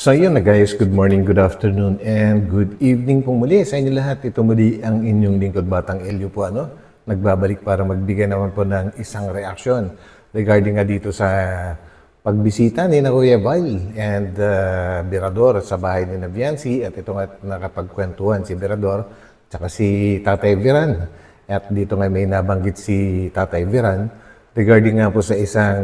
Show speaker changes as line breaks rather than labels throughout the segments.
So yun na guys, good morning, good afternoon, and good evening pong muli sa inyo lahat. Ito muli ang inyong lingkod Batang Elio po nagbabalik para magbigay naman po ng isang reaksyon regarding nga dito sa pagbisita ni na Kuya Val and Birador sa bahay ni na Viancy, at ito nga nakapagkwentuhan si Birador tsaka si Tatay Viran. At dito nga may nabanggit si Tatay Viran regarding nga po sa isang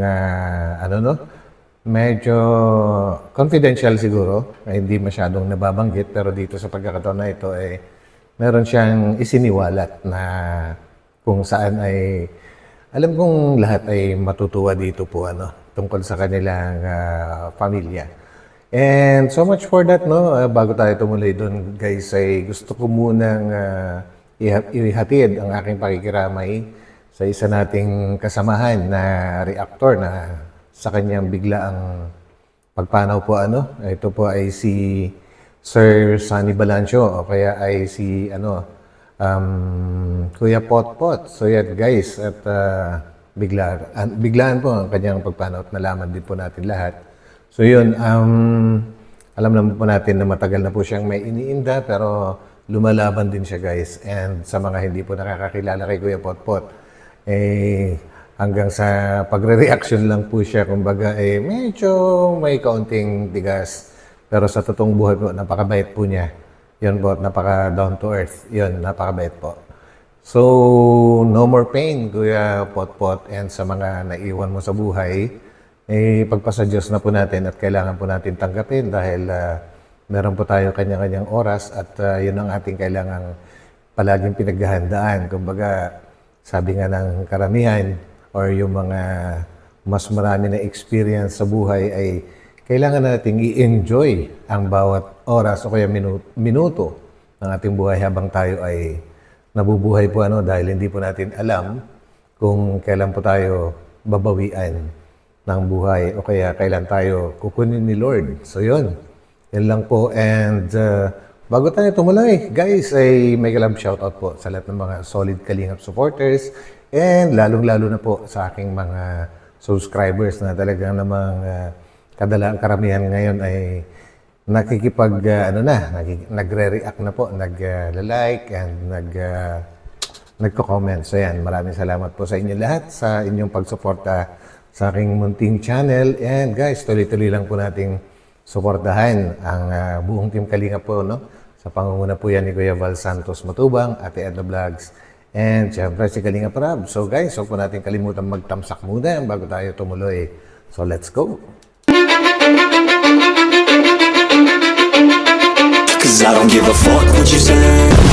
medyo confidential siguro, hindi masyadong nababanggit, pero dito sa pagkakataon na ito meron siyang isiniwalat na kung saan ay alam kong lahat ay matutuwa dito po tungkol sa kanilang pamilya. And so much for that, bago tayo tumuloy doon guys, ay gusto ko munang ihatid ang aking pakikiramay sa isa nating kasamahan na reactor na sa kanyang biglaang pagpanaw po ito po ay si Sir Sunny Balancio o kaya ay si Kuya Potpot. So yan guys, at biglaan po ang kanyang pagpanaw at nalaman din po natin lahat. So yun, alam naman po natin na matagal na po siyang may iniinda, pero lumalaban din siya guys. And sa mga hindi po nakakakilala kay Kuya Potpot, hanggang sa pagre-reaction lang po siya, kumbaga medyo may kaunting tigas. Pero sa totoong buhay po, napakabait po niya. Yun po, napaka down to earth. Yun, napakabait po. So, no more pain, Kuya Potpot, and sa mga naiwan mo sa buhay, pagpasa Diyos na po natin at kailangan po natin tanggapin dahil meron po tayo kanya-kanyang oras at yun ang ating kailangang palaging pinaghahandaan. Kumbaga, sabi nga ng karamihan, or yung mga mas marami na experience sa buhay ay kailangan nating i-enjoy ang bawat oras o kaya minuto ng ating buhay habang tayo ay nabubuhay po dahil hindi po natin alam kung kailan po tayo babawian ng buhay o kaya kailan tayo kukunin ni Lord. So yun lang po. And bago tayo tumuloy, guys, ay may kalab shoutout po sa lahat ng mga solid Kalingap supporters. And lalong-lalo na po sa aking mga subscribers na talagang namang karamihan ngayon ay nagre-react na po, nag-like and nagko-comment. So yan, maraming salamat po sa inyo lahat sa inyong pagsuporta sa aking munting channel. And guys, tuloy-tuloy lang po nating suportahan ang buong Team Kalingap po, sa pangunguna po yan ni Kuya Val Santos Matubang, Ate Edna Vlogs, and syempre si Kalingap Rab. So guys, huwag po natin kalimutan magtamsak muna bago tayo tumuloy. So let's go!
Cause I don't give a fuck what you say.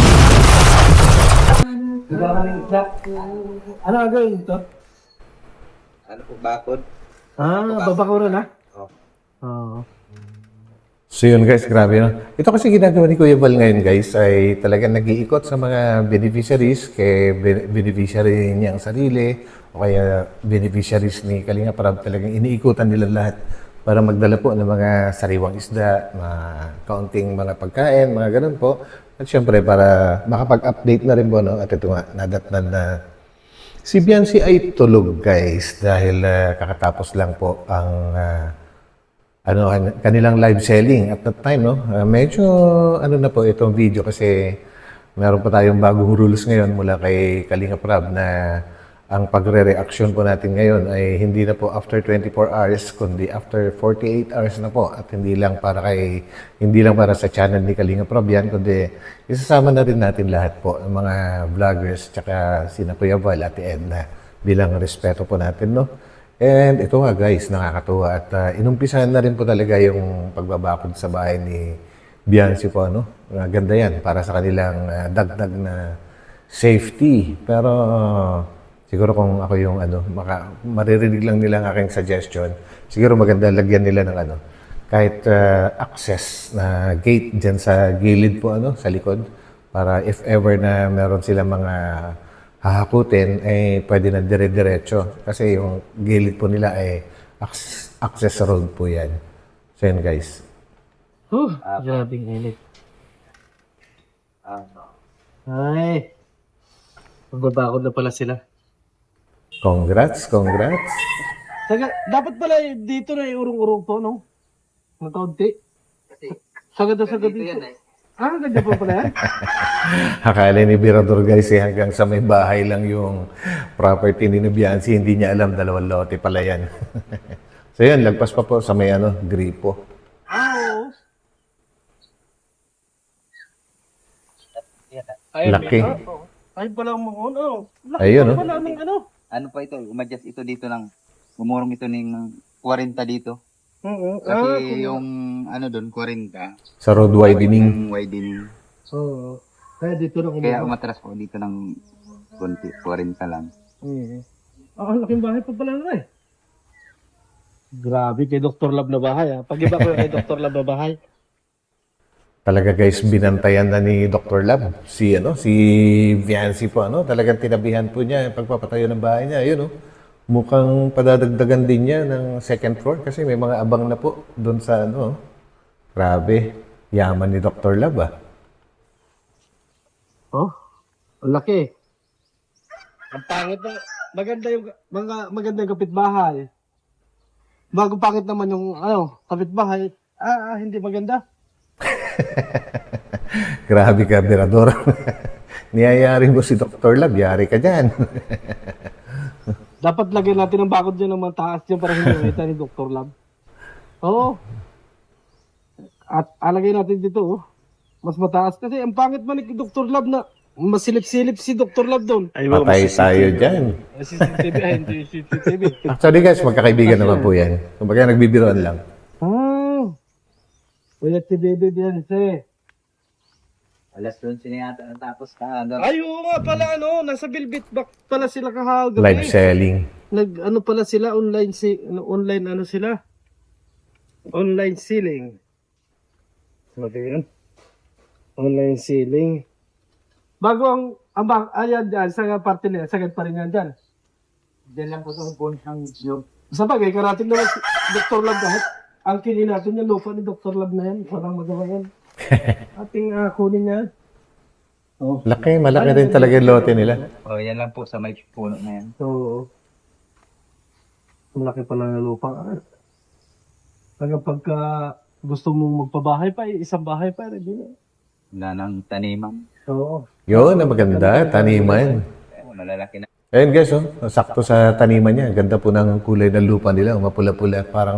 Ano gagawin ito?
Ano po, bakod?
Babakuro na?
Oo.
So yun guys, grabe Ito kasi ginagawa ni Kuya Val ngayon guys ay talagang nag-iikot sa mga beneficiaries, kay beneficiary niyang sarili o kaya beneficiaries ni Kalingap Rab. Talagang iniikutan nila lahat para magdala po ng mga sariwang isda, mga kaunting mga pagkain, mga ganun po. At syempre para makapag-update na rin po, At ito nga, nadatnan na si Viancy ay tulog guys dahil kakatapos lang po ang kanilang live selling at that time, medyo na po itong video kasi meron pa tayong bagong rules ngayon mula kay Kalingap Rab na ang pagre-reaction po natin ngayon ay hindi na po after 24 hours kundi after 48 hours na po, at hindi lang para sa channel ni Kalingap Rab yan, kundi isasama na rin natin lahat po ng mga vloggers tsaka sina Kuya Val, Ate Edna, bilang respeto po natin, And ito nga guys, nakakatuwa at inumpisahan na rin po talaga yung pagbabakod sa bahay ni Viancy po, Ganda yan para sa kanilang dagdag na safety. Pero siguro kung ako yung maririnig lang nila ang aking suggestion, siguro maganda lagyan nila ng kahit access na gate dyan sa gilid po, sa likod, para if ever na meron silang mga hahakutin, pwede na dire-diretso. Kasi yung gilid po nila access road po yan. So yan guys.
Grabing init. Ay, magbabakod na pala sila.
Congrats.
Dapat pala dito na iurong-urong to, Ng kaunti. Sagad na sagad
Dito
dito.
yan eh.
Ah, ganyan po pala yan?
Akala ni Birador guys hanggang sa may bahay lang yung property ni Bianci, hindi niya alam dalawang lote pala yan. So yun, lagpas pa po sa may gripo.
Oo.
Laki.
Ay pala mga ano. Laki
Ayun,
pa pala ng ano.
Ano pa ito? Umadjust ito dito ng, umurong ito ng 40 dito.
Oo.
Kasi yung ano doon, 40.
Sa road widening.
Yung widening.
Oo. Kaya dito na
Kaya
kumama.
umatras po dito ng konti, 40 lang.
Ang laking bahay pa pala na eh. Grabe kay Dr. Lab na bahay ah. Pag-iba ko yung kay Dr. Lab na bahay.
Talaga guys, binantayan na ni Dr. Lab. Si Viancy po, talagang tinabihan po niya yung pagpapatayo ng bahay niya. Ayun, mukhang padadagdagan din niya ng second floor kasi may mga abang na po doon sa Grabe, yaman ni Dr. Lab ah.
Oh, ang laki. Ang pangit na, maganda yung kapitbahay. Bago pangit naman yung kapitbahay, hindi maganda.
Grabe ka, Birador. Niyayari mo si Dr. Lab, yari ka dyan.
Dapat lagyan natin ng bakod dyan ng mga taas dyan para hindi makita ni Dr. Lab. Oo. At alagay natin dito, mas mataas. Kasi ang pangit man ni Dr. Lab na masilip-silip si Dr. Lab doon.
Patay tayo dyan.
CCTV, hindi CCTV.
Actually guys, magkakaibigan naman po yan. Kumbaga nagbibiroan lang.
Wala si Bebe diyan,
Alas 11 na yata natapos ka.
Ay, oo nga pala, nasa Bilbit back pala sila kahagabi.
Live selling.
Pala sila, online sila. Online selling. Ano yun? Online selling. Bago ayan dyan, sa parte nila, sagad pa rin yan dyan.
Diyan lang po sa phone ng job.
Sa bagay, karating naman si Dr. Lab kahit ang kinin natin yung lupa ni Dr. Lab na yan. Walang magawa yan. Ating kunin niya.
Malaki din talaga yung lote nila.
Oh, yan lang po sa may puno na yan.
So, malaki pala ng lupa. Pagka gusto mong magpabahay pa, isang bahay pa rin.
Wala nang taniman.
Oo.
Yun, na maganda, taniman.
Malalaki na.
Ayun guys, sakto sa taniman niya. Ganda po ng kulay ng lupa nila, mapula-pula, parang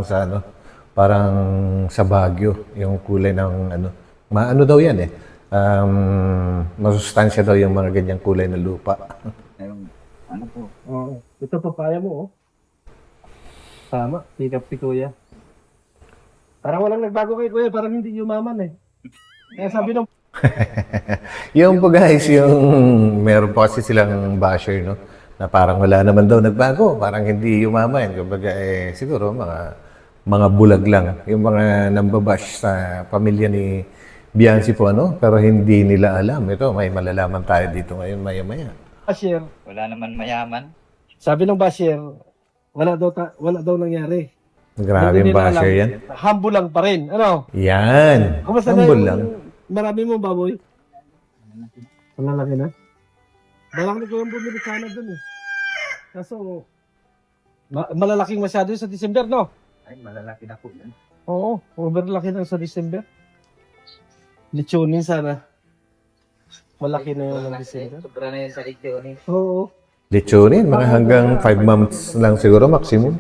sa Baguio, yung kulay ng maano daw yan masustansya daw yung mga ganyang kulay ng lupa.
Ayun, ano po?
Oo. Ito papaya mo, Tama, pick up si Kuya. Parang walang nagbago kay Kuya, parang hindi yumaman Kaya sabi nung
Yung po guys, yung meron po kasi silang basher, na parang wala naman daw nagbago, parang hindi yumaman. Kumbaga, siguro mga bulag lang. Yung mga nambabash sa pamilya ni Bianci po, pero hindi nila alam. Ito, may malalaman tayo dito ngayon, maya-maya.
basher,
Wala naman mayaman.
sabi ng basher, wala daw nangyari.
Grabe yung
Hindi nila
basher
alam.
yan.
Humble lang pa rin.
Yan.
Kumusta na
Humble
yung
lang.
marami mong baboy? Malalaki na? Malaki na ko yung bumili sana dun Kaso, malalaking masyado yun sa December, no?
Ay, malalaki na po yan.
Oo, overlaki na sa December. Lechonin sana. Malaki na yun ng December.
Sobra na yan sa lechonin.
Oo.
Lechonin, mga hanggang 5 months lang siguro maximum.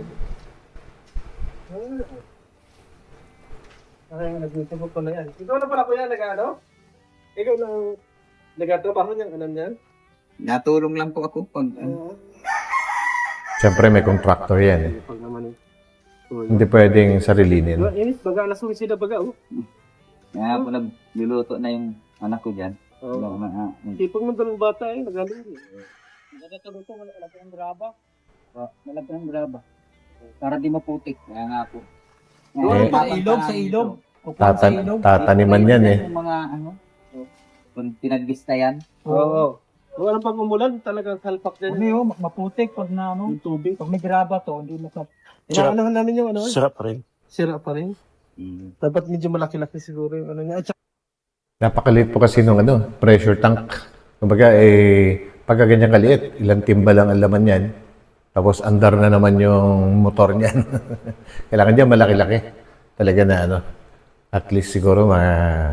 Ay, nag-YouTube ko na yan. Ikaw na pala kuya, Ikaw na nag-trabaho niyang niyan?
Natulong lang po ako pag
Siyempre may contractor yan.
Pag naman
Hindi pwedeng sarilinin.
Inis, baga, alas 11 na baga,
Kaya po nagluluto na yung anak ko dyan.
Oo. Tipag ng dalawang bata nagaling. Nagkatago ito, malaki ang graba.
Malaki ng graba. Para di maputik. Kaya nga po.
Sa ilog.
Tataniman yan
Yung mga kung tinagis na yan.
Oo. Kung anong pag umulan, talagang salpak dyan.
Maputik pag na
Yung tubig.
pag may graba to, hindi mo
Inaanahan namin yung
Sarap pa rin.
Sira pa rin. Dapat medyo malaki-laki siguro yung niya. At saka,
Napakaliit po kasi nung pressure tank. Kumbaga, pagka ganyan kaliit, ilang timba lang ang laman yan. Tapos andar na naman yung motor niyan. Kailangan niya malaki-laki. Talaga na At least siguro mga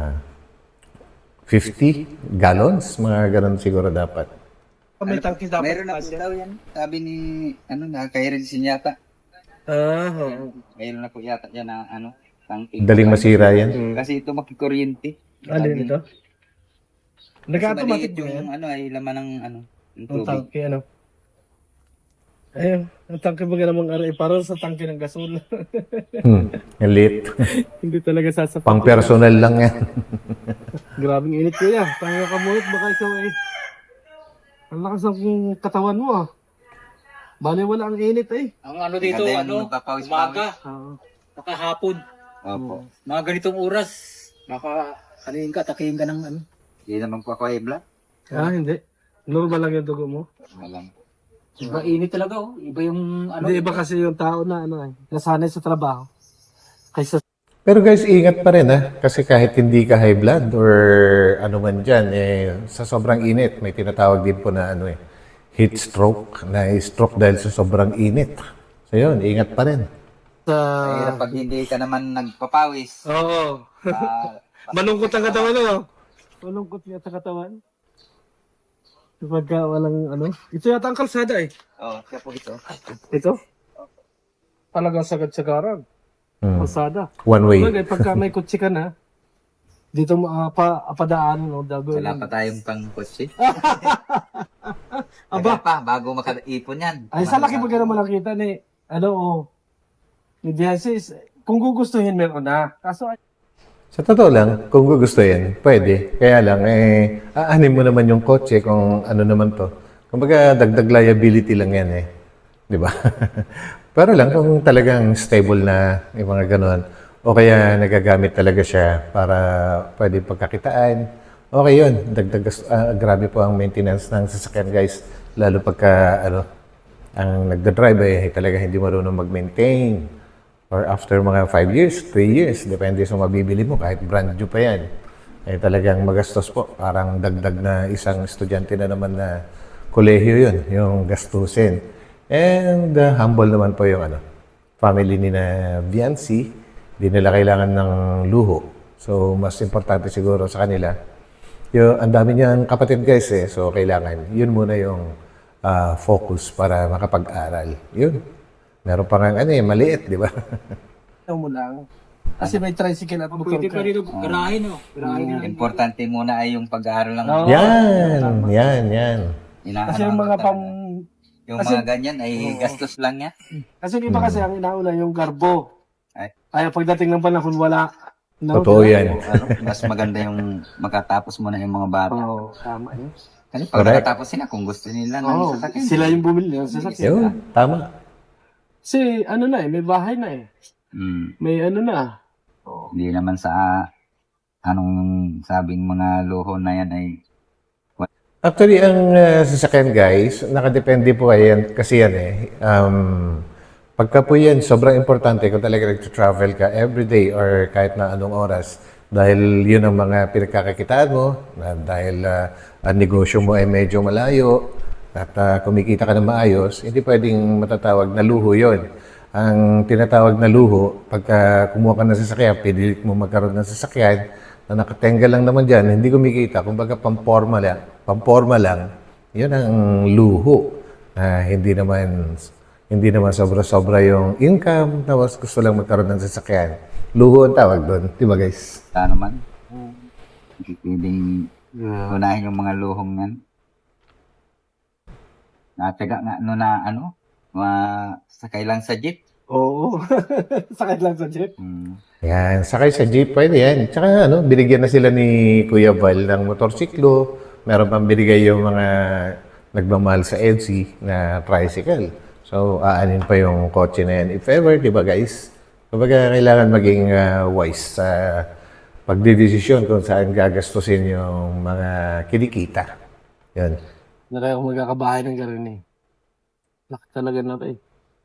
50 gallons, mga ganun siguro dapat.
May tangki dapat.
Meron na po daw yan. Sabi ni, nakaka-resin yata.
Oo.
Mayroon na po yata yan na, tangke.
Daling masira yan.
Kasi ito makikuryente.
Alin ito?
Kasi
Nag-automatic
maliit
ba yan?
yung, ay laman ng, ng
Ang
tubig.
tangke, ano? Ayun, ang tangke ba namang aray? Parang sa tangke ng gasol.
Ang lit.
Hindi talaga sasapat.
Pang personal lang yan.
Grabing init kuya. Tanga ka munot, baka ikaw eh. Ang lakas ng katawan mo ah. Bale wala ang init eh.
Ang ano dito,
Maganda yung
ano,
magpapawis-pawis.
umaga,
Oo.
nakahapon,
Opo.
mga ganitong oras, kanin ka, takihin ka ng ano.
Hindi naman po ako ebla.
Hindi. Normal lang yung dugo mo.
Walang.
Iba init talaga, oh. Iba yung ano.
Hindi, iba kasi yung tao na ano eh. Nasanay sa trabaho. Kaysa
Pero guys, ingat pa rin ha. Kasi kahit hindi ka high blood or ano man dyan, sa sobrang init, may tinatawag din po na heat stroke, na stroke dahil sa sobrang init. So yun, ingat pa rin.
sa...
Mahirap pag hindi ka naman nagpapawis.
Oo.
Ah,
Malungkot ang katawan ano? Malungkot niya sa katawan. Kapag walang ano. Ito yata ang kalsada eh.
siya po ito.
Ito? Talagang sagad-sagaran. Kalsada.
One way.
Bagay, pagka may kutsi ka na, dito mo padaan, no? Dago
Wala
yan.
pa tayong pang-kutsi.
Aba.
Tagal pa, bago makaipon yan.
Ay, sa laki pagka naman nakita ni, ni Diasis, kung gugustuhin meron na. Kaso,
Sa totoo lang, kung gugustuhin, pwede. Kaya lang, aanin mo naman yung kotse kung ano naman to. Kumbaga, dagdag liability lang yan eh. Di ba? Pero lang, kung talagang stable na yung mga ganon, o kaya nagagamit talaga siya para pwede pagkakitaan, okay yun. Grabe po ang maintenance ng sasakyan guys. Lalo pagka, ang nagda-drive talaga hindi marunong mag-maintain. Or after mga 5 years, 3 years, depende sa mabibili mo, kahit brand new pa yan. Talagang magastos po. Parang dagdag na isang estudyante na naman na kolehiyo yun, yung gastusin. And humble naman po yung family ni na Viancy. Hindi nila kailangan ng luho. So, mas importante siguro sa kanila. Ang dami niyang kapatid guys So, kailangan. Yun muna yung focus para makapag-aral. Yun. Meron pa nga maliit, di ba?
ito mo lang. Kasi may tricycle at motor
Pwede
ka.
pa rin garahe, no? Garahe na.
Importante muna ay yung pag-aaral lang.
Oo.
Yan.
Kasi yung mga
Yung mga ganyan ay gastos lang yan.
Kasi yung iba kasi ang inauna yung garbo.
Ay.
Kaya pagdating ng panahon, wala.
Totoo yan.
Mas maganda yung makatapos muna yung mga bata.
Oo, tama yun.
Kasi pag
Correct.
nakatapos sila, kung gusto nila
Oo,
ng sasakyan.
sila yung bumili ng sasakyan.
Yun, tama.
Kasi may bahay na eh. May na.
Hindi naman sa anong sabing mga luho na yan ay
Actually, ang sasakyan guys, nakadepende po kasi yan pagka po yan, sobrang importante kung talaga nag-travel ka everyday or kahit na anong oras. Dahil yun ang mga pinagkakakitaan mo, dahil ang negosyo mo ay medyo malayo, at kumikita ka na maayos, hindi pwedeng matatawag na luho yon. Ang tinatawag na luho, pagka kumuha ka ng sasakyan, pinilit mo magkaroon ng sasakyan, na nakatenga lang naman dyan, hindi kumikita, kumbaga pamporma lang, yun ang luho. Hindi naman sobra-sobra yung income, tapos gusto lang magkaroon ng sasakyan. Luho ang tawag doon, di ba guys?
wala naman. Hindi pwedeng unahin yung mga luhong yan. Nataga nga sakay lang sa jeep.
Oo. Sakit lang sa jeep.
Yan, sakay sa jeep, pwede yan. Tsaka binigyan na sila ni Kuya Val ng motorsiklo. Meron pang binigay yung mga nagmamahal sa EDSI na tricycle. So, aanin pa yung kotse na yan. If ever, di ba guys? Kumbaga, kailangan maging wise sa pagdidesisyon kung saan gagastusin yung mga kinikita. Yan.
Nalay ako magkakabahay ng garin eh. Laki talaga na ito eh.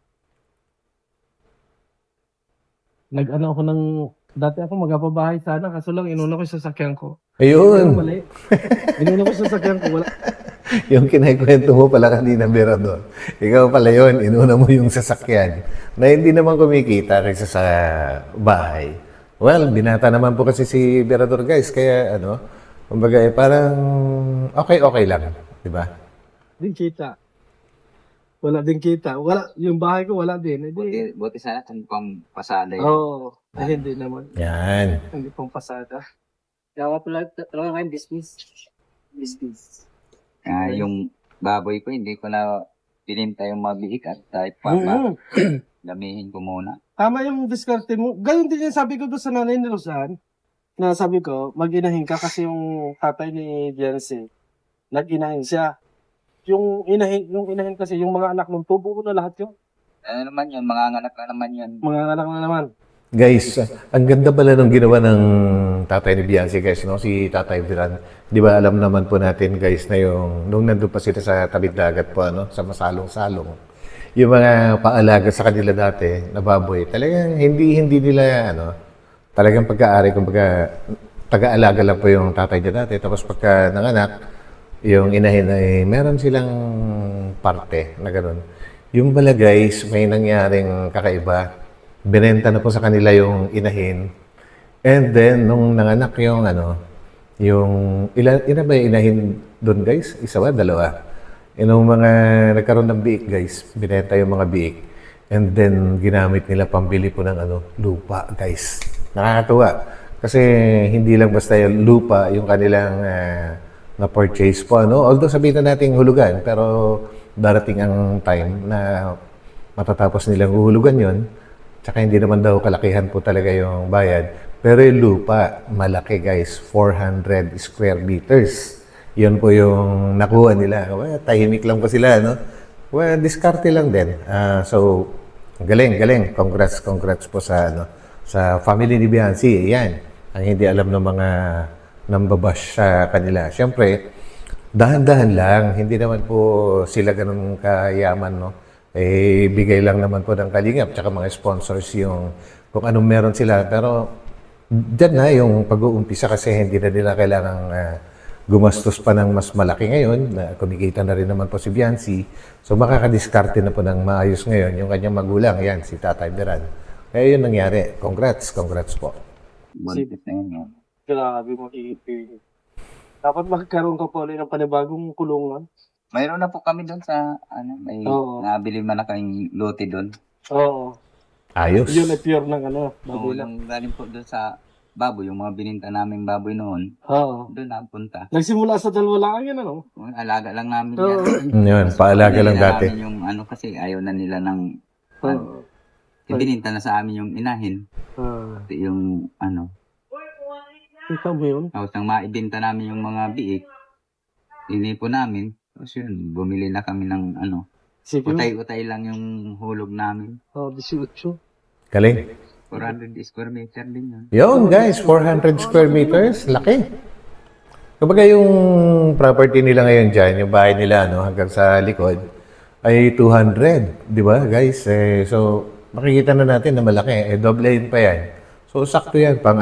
Ako dati ako magpapabahay sana, kaso lang inuna ko yung sasakyan ko.
Ayun.
Mali. Inuna ko yung sasakyan ko, wala.
Yung kinikwento mo pala kanina, Berador. Ikaw pala yun, inuna mo yung sasakyan na hindi naman kumikita kaysa sa bahay. Well, binata naman po kasi si Berador guys, kaya ano, kumbaga parang okay lang, di ba?
Din kita. Wala din kita. Wala, yung bahay ko wala din. Hindi.
Buti sana kung pang pasada yun.
Oo. Hindi naman.
Yan.
Hindi pang pasada.
Kaya pala talaga kayo business. Business.
Yung baboy ko, hindi ko na pininta yung mabiik at type pa.
Mm.
Damihin ko muna.
Tama yung diskarte mo. Ganun din yung sabi ko doon sa nanay ni Rosan. Na sabi ko, mag-inahin ka kasi yung tatay ni Jensen. Nag-inahin siya. Yung inahin kasi, yung mga anak ng tubo ko na lahat yun.
Ano naman yun, mga anak na naman yun.
Mga anak na naman.
Guys, ang ganda pala nung ginawa ng tatay ni Biancy guys, no? Si Tatay Viran. Di ba alam naman po natin guys na yung, nung nandun pa sila sa tabing dagat po, ano? Sa masalong-salong. Yung mga paalaga sa kanila dati na baboy, talagang hindi nila, ano, talagang pagka-ari, kumbaga, taga-alaga lang po yung tatay niya dati. Tapos pagka nanganak, yung inahin ay meron silang parte na gano'n. Yung bala guys, may nangyaring kakaiba. Binenta na po sa kanila yung inahin. And then, nung nanganak yung ano, yung, ina ba yung inahin doon guys? Isa ba? Dalawa? Yung mga nagkaroon ng biik guys, binenta yung mga biik. And then, ginamit nila pambili po ng ano, lupa guys. Nakakatuwa. Kasi hindi lang basta yung lupa, yung kanilang na-purchase po. Ano? Although sabihin na natin hulugan, pero darating ang time na matatapos nilang uhulugan yon. Tsaka hindi naman daw kalakihan po talaga yung bayad. Pero yung lupa, malaki guys, 400 square meters. Yun po yung nakuha nila. Well, tahimik lang po sila, no? Well, diskarte lang din. So, galing. Congrats po sa, ano, sa family ni Biancy. Yan. Ang hindi alam ng mga nambabash sa kanila. Siyempre, dahan-dahan lang. Hindi naman po sila ganun kayaman, no? Eh, bigay lang naman po ng kalingap tsaka mga sponsors yung kung anong meron sila. Pero, dyan na yung pag-uumpisa kasi hindi na nila kailangang gumastos pa ng mas malaki ngayon. Na kumikita na rin naman po si Biancy. So, makakadiskarte na po ng maayos ngayon yung kanyang magulang. Yan, si Tatay Beran. Kaya yun nangyari. Congrats po.
Buntis na yun. Yun.
Grabe makikipig. Dapat magkaroon ka pa ulit ng panibagong kulungan.
Mayroon na po kami doon sa, may
Oo.
nabili man na kayong lote doon.
Oo.
Ayos.
Yun ay pure ng ano,
Oo,
baboy lang.
yung galing po doon sa baboy, yung mga bininta naming baboy noon,
Oo.
doon napunta.
Nagsimula sa dalawa lang yan, ano?
Alaga lang namin
Oo.
yan.
Yun, paalaga lang
Nila
dati.
namin yung kasi ayaw na nila ng,
Oo.
bininta na sa amin yung inahin. Pati yung
Ikaw mo yun?
tapos nang maibenta namin yung mga biik, inipo namin. Tapos yun, bumili na kami ng
Sige mo.
utay-utay lang yung hulog namin.
18.
Galing.
400 square meter din yun.
Yun guys, 400 square meters. Laki. Kumbaga yung property nila ngayon dyan, yung bahay nila hanggang sa likod, ay 200. Di ba guys? So, makikita na natin na malaki. Doblein pa yan. So, sakto yan pang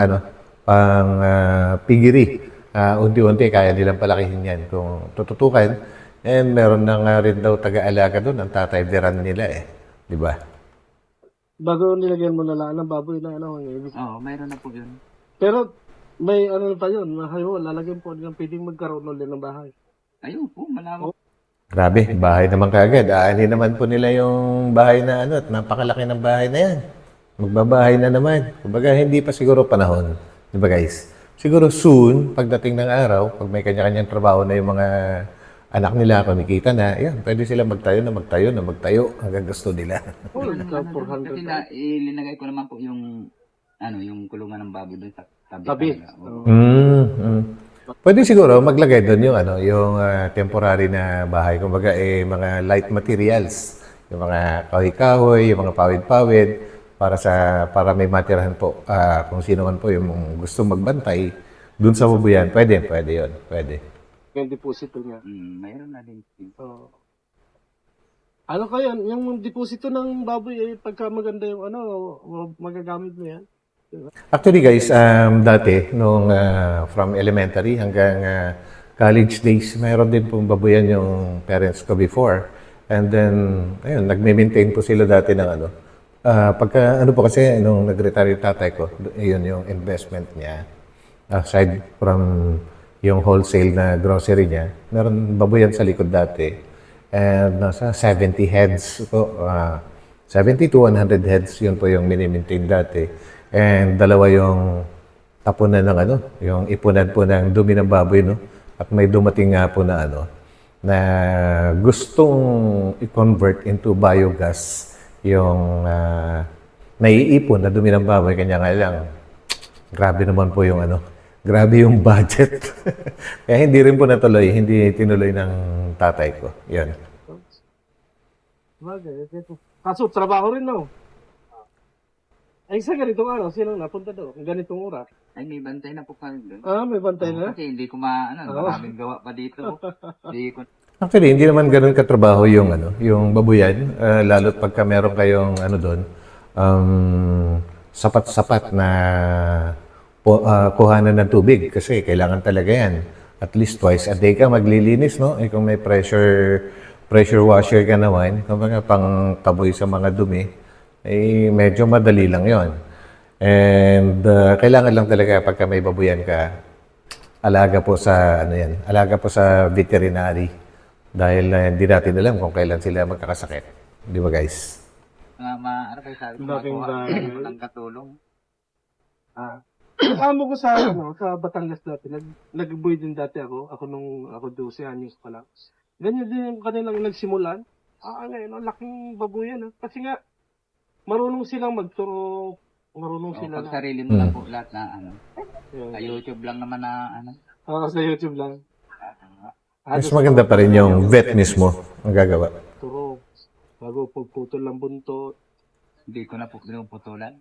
pigiri. Unti-unti, kaya nilang palakihin yan kung tututukan. And meron na nga rin daw taga-alaga doon, ang Tatay Beran nila Di ba?
Bago nilagyan mo na lang ng baboy na ano.
Oo, mayroon na po yun.
Pero may ano pa yun. Hayo, lalagyan po nilang pwedeng magkaroon ulit ng bahay.
Ayun po, malawak.
Grabe, bahay naman kaagad. Aanin naman po nila yung bahay na at napakalaki ng bahay na yan. Magbabahay na naman. Kumbaga, hindi pa siguro panahon. Di ba guys? Siguro soon, pagdating ng araw, pag may kanya-kanyang trabaho na yung mga anak nila, kumikita na, yan, pwede sila magtayo hanggang gusto nila.
Oh,
Kasi
400.
ilinagay ko naman po yung yung kulungan ng baboy doon sa tabi.
Tabi.
talaga. Oo.
Pwede siguro maglagay doon yung yung temporary na bahay, kumbaga mga light materials, yung mga kahoy-kahoy, yung mga pawid-pawid para may matirahan po kung sino man po yung gusto magbantay doon sa babuyan. Pwede 'yon. Pwede.
Yung deposito niya.
Mayroon na din.
Oo. Ano kaya, yung deposito ng baboy pagka maganda yung magagamit mo yan?
Actually guys, dati nung from elementary hanggang college days, mayroon din pong babuyan yung parents ko before. And then ayun, nagme-maintain po sila dati ng Pagka, ano po kasi, nung nag-retire yung tatay ko, yun yung investment niya. Aside from yung wholesale na grocery niya, meron baboyan sa likod dati. And nasa 70 heads po. 70 to 100 heads, yun po yung mini-maintain dati. And dalawa yung tapunan ng ano, yung ipunan po ng dumi ng baboy, no? At may dumating nga po na ano, na gustong i-convert into biogas yung naiipon na dumi ng baboy. Kanya nga lang, grabe naman po yung ano, grabe yung budget. Kaya hindi rin po natuloy, hindi tinuloy ng tatay ko. Yan.
Kaso, trabaho rin, no? Ay, sa ganitong araw, sino napunta doon? Ganitong oras.
Ay, may bantay na po kami doon.
May bantay na?
Kasi hindi ko maraming gawa pa dito. Hindi ko
Actually, hindi naman ganun katrabaho yung ano, yung babuyan, lalo't pagka meron kayong ano doon, sapat-sapat na kuhanan ng tubig kasi kailangan talaga yan. At least twice a day ka maglilinis, no? Kung may pressure washer ka naman, kumbaga pang taboy sa mga dumi, medyo madali lang yon. And kailangan lang talaga pagka may babuyan ka, alaga po sa ano yan, alaga po sa veterinary dahil hindi natin alam kung kailan sila magkakasakit. Di ba guys?
ano kayo sabi ko,
Laking bagay.
ng katulong.
Amo ko sa sa Batangas dati, nag-boy din dati ako. Nung ako 12 anyos pa lang. Ganyan din yung kanilang nagsimulan. Ngayon, ang laking babuyan. Kasi nga, marunong silang magturo. Marunong sila
Pag
na.
sarili mo lang po lahat na ano.
Yun.
Sa YouTube lang naman na ano.
Sa YouTube lang.
Mas maganda pa rin yung vet mismo ang gagawa.
Turo. Bago pagputol ng buntot.
Hindi ko na po pinuputulan.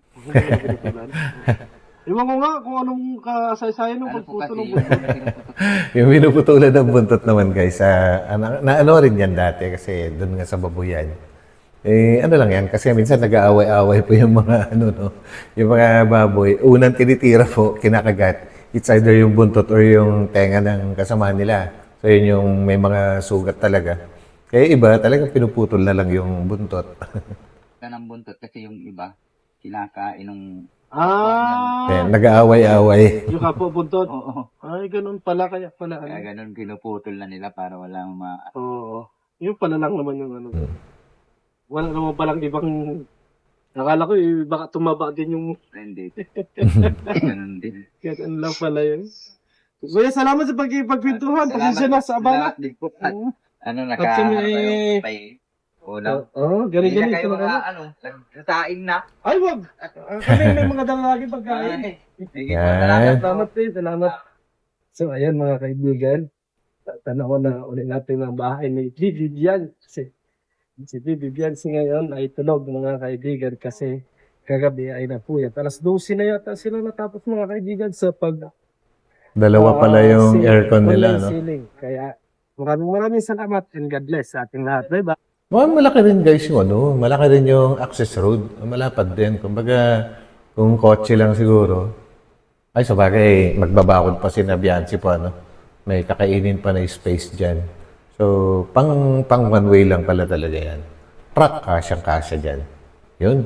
Iwan ko nga kung anong kasaysayan ng
Ano po
pagputol
kasi
ng
yung
buntot.
Yung pinuputulan ng buntot naman guys, na ano rin yan dati kasi doon nga sa babuyan. Ano lang yan, kasi minsan nag-aaway-aaway po yung mga ano no, yung mga baboy. Unang tinitira po, kinakagat. It's either yung buntot or yung tenga ng kasama nila. So yun yung may mga sugat talaga. Kaya iba, talagang pinuputol na lang yung buntot.
ng buntot kasi yung iba kinakain ng
Kaya nag-aaway-aaway.
Yung kapo buntot.
oo.
Ay, ganun pala. Kaya pala.
Kaya ganun pinuputol na nila para walang
Oo. Yung pala lang naman yung ano. Wala naman palang ibang. Nakala ko baka tumaba din yung.
hindi. Ganun din.
Kaya ano lang pala yun. Kuya, salamat sa pagkipagpintuhan. Pasensya na sa abala.
Salamat din po. Ano,
At sa may-
ulam.
Ganun.
Hindi na kayo nagsasaing na.
Ay, wag. Kami may mga dalalagi pagkain.
Sige po,
Yan.
salamat po.
Salamat din. Salamat. So, ayan mga kaibigan. Tanaw na ulit natin ang bahay ni Vivian. Si Vivian ngayon ay tulog mga kaibigan kasi kagabi ay napuyat. Alas 12 na yata sila natapos mga kaibigan sa
Dalawa pala yung aircon nila, no?
ceiling. Kaya maraming salamat and God bless sa ating lahat. Bye-bye.
Malaki rin guys yung ano, malaki rin yung access road. Malapad din. Kumbaga, kung kotse lang siguro, ay sabagay, magbabakod pa si Nabiansi po, ano? May kakainin pa na space dyan. So, pang one way lang pala talaga yan. Truck, kasyang-kasya dyan. Yun.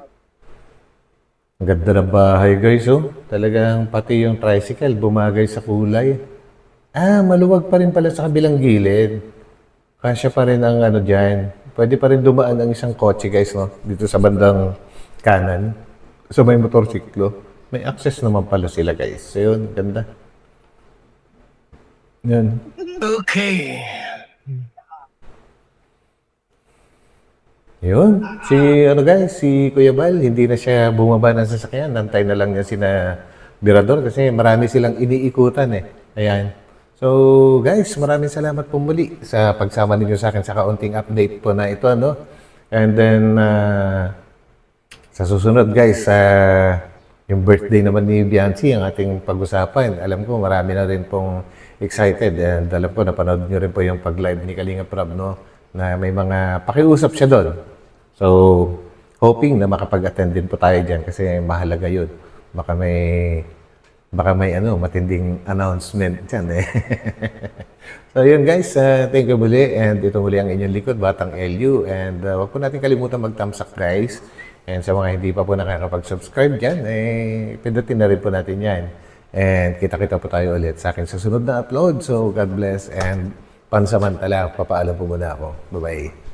Ang ganda ng bahay guys, oh. Talagang pati yung tricycle, bumagay sa kulay. Maluwag pa rin pala sa kabilang gilid. Kasya pa rin ang ano dyan. Pwede pa rin dumaan ang isang kotse guys, no? Dito sa bandang kanan. So may motorsiklo. May access naman pala sila guys. So yun, ganda. Yun.
Okay.
Yun. Si Kuya Bal, hindi na siya bumaba ng sasakyan. Nantay na lang niya sina Birador kasi marami silang iniikutan eh. Ayan. So guys, maraming salamat po muli sa pagsama ninyo sa akin sa kaunting update po na ito, ano. And then, sa susunod guys, yung birthday naman ni Bianci, ang ating pag-usapan. Alam ko, marami na rin pong excited. And alam ko, napanood nyo rin po yung pag-live ni Kalinga Prab, no, na may mga pakiusap siya doon. So, hoping na makapag-attend din po tayo dyan kasi mahalaga yun. Baka may matinding announcement dyan eh. So yun guys, thank you muli and ito muli ang inyong likod, Batang LU, and wag po natin kalimutan mag-thumbs up guys And sa mga hindi pa po nakakapag-subscribe dyan, pindutin na rin po natin yan. And kita-kita po tayo ulit sa akin sa sunod na upload. So, God bless and pansamantala, papaalam po muna ako. Bye-bye.